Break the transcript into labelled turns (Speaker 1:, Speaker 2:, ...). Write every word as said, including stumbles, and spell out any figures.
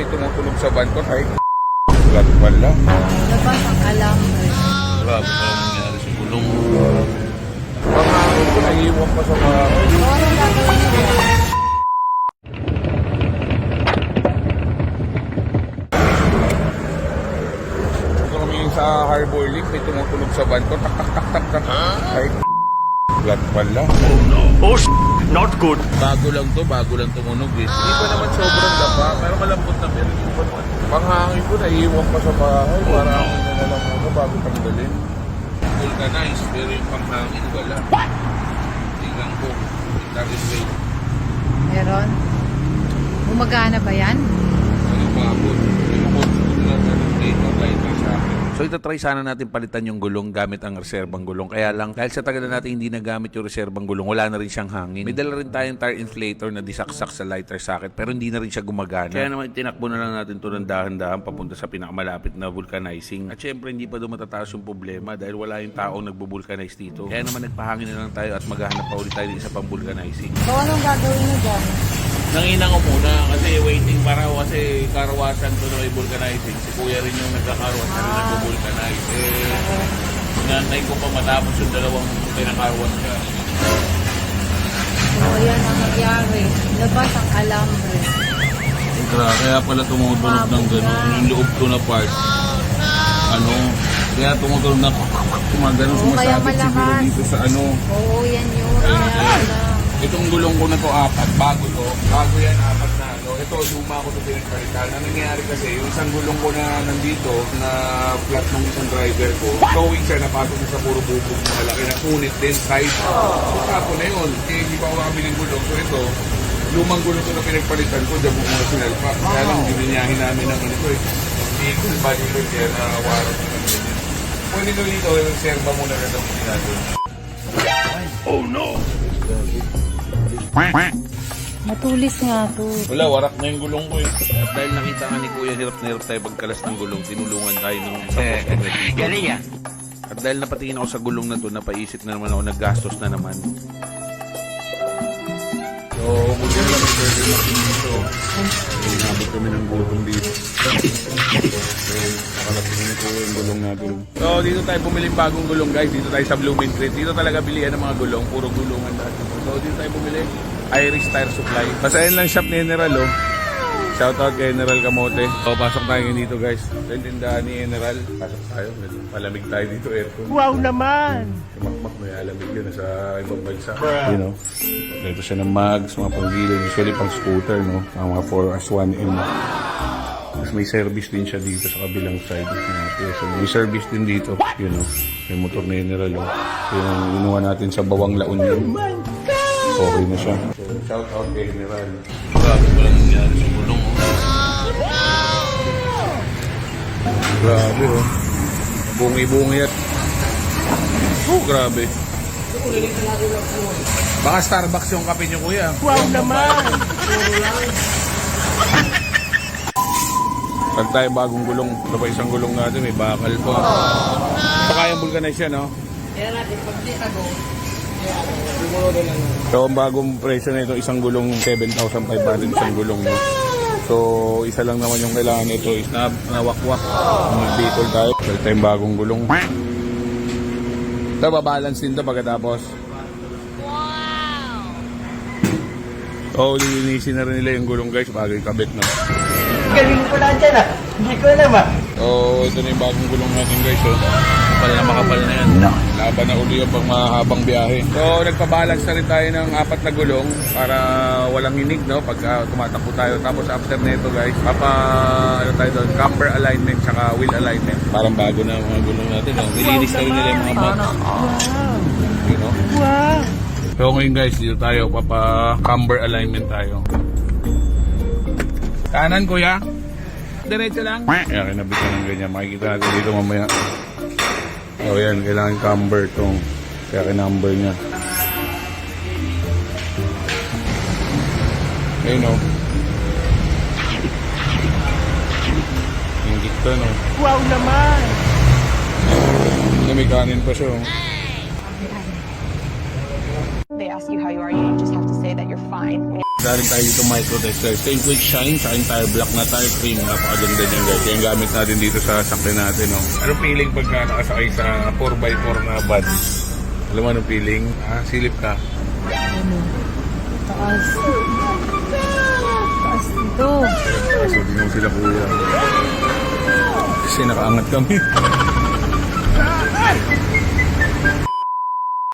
Speaker 1: may tumutunog sa van ko. Ay, flat pala.
Speaker 2: Labas ang alambre.
Speaker 3: Grabe pa ang nangyari sa gulong.
Speaker 1: Pangangin ko, naiiwan pa sa bahay.
Speaker 2: So, anong gagawin niyo dyan?
Speaker 1: Ito kami sa Harbor Link, may tumutunog sa van ko. Tak, tak, tak, tak, tak. Ay, flat pala.
Speaker 3: Oh no. Oh sh**. Not good.
Speaker 1: Bago lang to, bago lang tumunog eh. Hindi pa naman sobrang dapa, pero malambot na pero hindi pa naman. Panghangin ko, naiiwan pa sa bahay. Para ako na lang ako bago tanggalin. Vulcanized, pero yung panghangin wala. Tingnan ko. That is way.
Speaker 2: Meron? Gumagana ba yan?
Speaker 1: Ano pa ako? Yung control na ganun dito, lighter sa akin.
Speaker 3: So itatry sana natin palitan yung gulong gamit ang reserbang gulong. Kaya lang, dahil sa tagal na natin hindi nagamit yung reserbang gulong, wala na rin siyang hangin. May dala rin tayong tire inflator na disaksak sa lighter socket pero hindi na rin siya gumagana. Kaya naman tinakbo na lang natin ito ng dahan-dahan papunta sa pinakamalapit na vulcanizing. At syempre hindi pa doon matataas yung problema dahil wala yung taong nagbo-vulcanize dito. Kaya naman nagpahangin na lang tayo at maghahanap pa ulit tayo ng isa pang vulcanizing.
Speaker 2: So, anong gagawin niyo dyan?
Speaker 3: Nanginang ko muna kasi waiting para kasi karawasan to na may vulcanizing. Si kuya rin yung nagkakarwas na rin nagbo-vulcanize. Eh, nantay ko pa matapos yung dalawang pinakarwas ka.
Speaker 2: So, ayan ang nangyari. Labas ang alambre.
Speaker 3: Kaya, kaya pala tumutunog ng gano'n. Yung loob ko na part. Ano, kaya tumutunog na gumagano
Speaker 2: Oo, kaya
Speaker 1: sumasabit siguro
Speaker 2: malakas.
Speaker 1: dito sa ano.
Speaker 2: Oo, yan yun. Kaya pala.
Speaker 1: Itong gulong ko na to apat, bago to. Bago yan, apat na ano. Ito, luma ko to pinagpalitan. Ang nangyayari kasi, yung isang gulong ko na nandito, na flat ng isang driver ko, towing siya, napasok siya sa puro bubog na malaki na punit din, side. So, tapo na yun. Eh, hindi pa ako makabiling gulong. So ito, lumang gulong ko na pinagpalitan ko, dyan mo sinalpa. Kaya lang, gininyahin namin ng ano ko eh. Vehicle body ko kaya na warang. Pwede nyo dito, serba muna na daw ginagawa.
Speaker 3: Oh no!
Speaker 2: Matulis nga to.
Speaker 3: Wala, warak na yung gulong ko eh. At dahil nakita nga ni Kuya, hirap na hirap tayo pagkalas ng gulong, tinulungan tayo ng isang galing yan. At dahil napatingin ako sa gulong na to, napaisip na naman ako, naggastos na naman.
Speaker 1: So, buti na lang may burger machine dito. Inabot kami ng gulong dito. So, nakalatingin ko yung gulong natin. So, dito tayo bumili ng bagong gulong guys. Dito tayo sa Blooming Crate. Dito talaga bilihan ng mga gulong. Puro gulungan dati. So, dito tayo bumili. Irish Tire Supply. Pasayan lang shop ni General oh. Shoutout kay General Kamote. So, pasok tayo ngayon dito guys. Sa tindahan ni General. Pasok tayo. Palamig tayo dito aircon.
Speaker 4: Wow naman!
Speaker 1: Makmak may alamig yun sa ibang bansa. You know, dito siya ng mags, mga panggilid, usually pang scooter, no? Ang mga four as one M. Tapos may service din siya dito sa kabilang side. So, may service din dito, you know. May motor na General, oh. So, yung inuha natin sa Bawang La Union. Okay na siya. So, shout out kay General.
Speaker 3: Grabe pa lang nangyari sa gulong oh.
Speaker 1: Grabe, oh. Bungi-bungi at... Oh, grabe. Baka Starbucks yung kape niyo, kuya.
Speaker 4: Wow naman!
Speaker 1: Pag tayo bagong gulong, ito pa isang gulong natin, may bakal pa. Ito kayang vulcanize yan, no? So, ang bagong presyo na ito, isang gulong seven thousand five hundred, isang gulong, no? So, isa lang naman yung kailangan nito is na, nawakwak. Mag-vehicle tayo. Pwede tayong bagong gulong. Ito, babalance din ito pagkatapos. So, lilinisin na rin nila yung gulong guys bago ikabit na.
Speaker 4: Galing ko lang dyan ah! Hindi ko alam ah!
Speaker 1: So, ito na yung bagong gulong natin guys. So,
Speaker 3: Makapal na makapal na yan.
Speaker 1: laban na uli yung pang mahabang biyahe. So, nagpabalance na rin tayo ng apat na gulong para walang hinig, no? Pag uh, tumatakbo tayo. Tapos after nito guys, papa, ano tayo doon, camber alignment tsaka wheel alignment. Parang bago na ang mga gulong natin, no? Nilinis na rin nila yung mga box. You know?
Speaker 4: Wow!
Speaker 1: So, ngayon guys, dito tayo, papa, camber alignment tayo. Kanan, kuya. Diretso lang. Kaya kinabit ka ng ganyan. Makikita natin dito mamaya. O yan, kailangan camber itong. Kaya kinumber niya. Ayun o. Ingit ka, no?
Speaker 4: Wow naman!
Speaker 1: Ano, may kanin pa siya, oh.
Speaker 5: They ask you how you are, you just have to say that you're fine.
Speaker 1: Galing tayo dito micro tester. Same quick shine sa tire block na tire cream. Napakaganda niyan guys. Yan gamit natin dito sa sakyan natin. No? Anong feeling pagka nakasakay sa four by four na bus? Alam mo anong feeling? Ah, silip ka.
Speaker 2: Ano? Taas. Taas dito.
Speaker 1: Kaso di mo sila kuya. Kasi nakaangat kami.